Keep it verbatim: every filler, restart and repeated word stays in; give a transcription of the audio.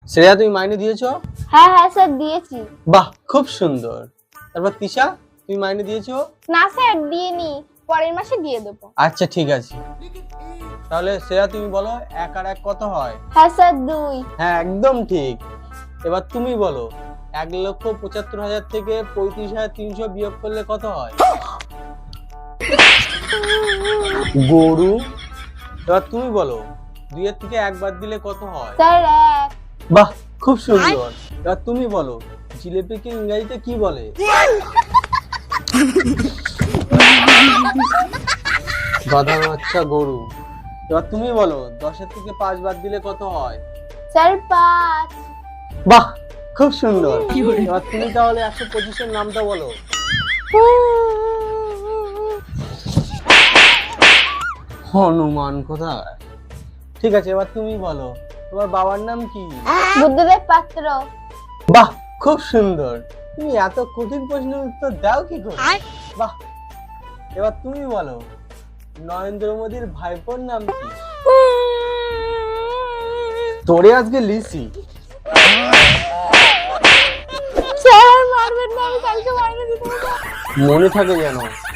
শ্রেয়া তুমি মাইনে দিয়েছো? হ্যাঁ হ্যাঁ স্যার দিয়েছি। বাহ খুব সুন্দর। তারপর তিশা তুমি মাইনে দিয়েছো? না স্যার দিইনি, পরের মাসে দিয়ে দেবো। আচ্ছা ঠিক আছে। তাহলে শ্রেয়া তুমি বলো এক আর এক কত হয়? হ্যাঁ স্যার দুই। হ্যাঁ একদম ঠিক। এবার তুমি বলো এক লক্ষ পঁচাত্তর হাজার থেকে পঁয়ত্রিশ হাজার তিনশো বিয়োগ করলে কত হয়? গরু। এবার তুমি বলো দুইয়ের থেকে এক বাদ দিলে কত হয়? স্যার এক। বাহ খুব সুন্দর। এবার তুমি বলো জিলিপিকে ইংরেজিতে কি বলে? গাধা বাচ্চা গরু। এবার তুমি বলো দশের থেকে পাঁচ বাদ দিলে কত হয়? স্যার পাঁচ। বাহ খুব সুন্দর। এবার তুমি তাহলে একশো পঁচিশের নামটা বলো। হনুমান কোথায়? ঠিক আছে এবার তুমি বলো তোমার বাবার নাম কি? বুদ্ধদেব পাত্র। বাহ খুব সুন্দর। তুমি এত কঠিন প্রশ্নের উত্তর দাও কি করে? বাহ। এবার তুমি বলো নরেন্দ্র মোদীর ভাইপোর নাম কি? তোরে আজকে লিসি। স্যার মারবেন না, আমি কালকে মাইনে দিতে হবে। মনে থাকে যেন।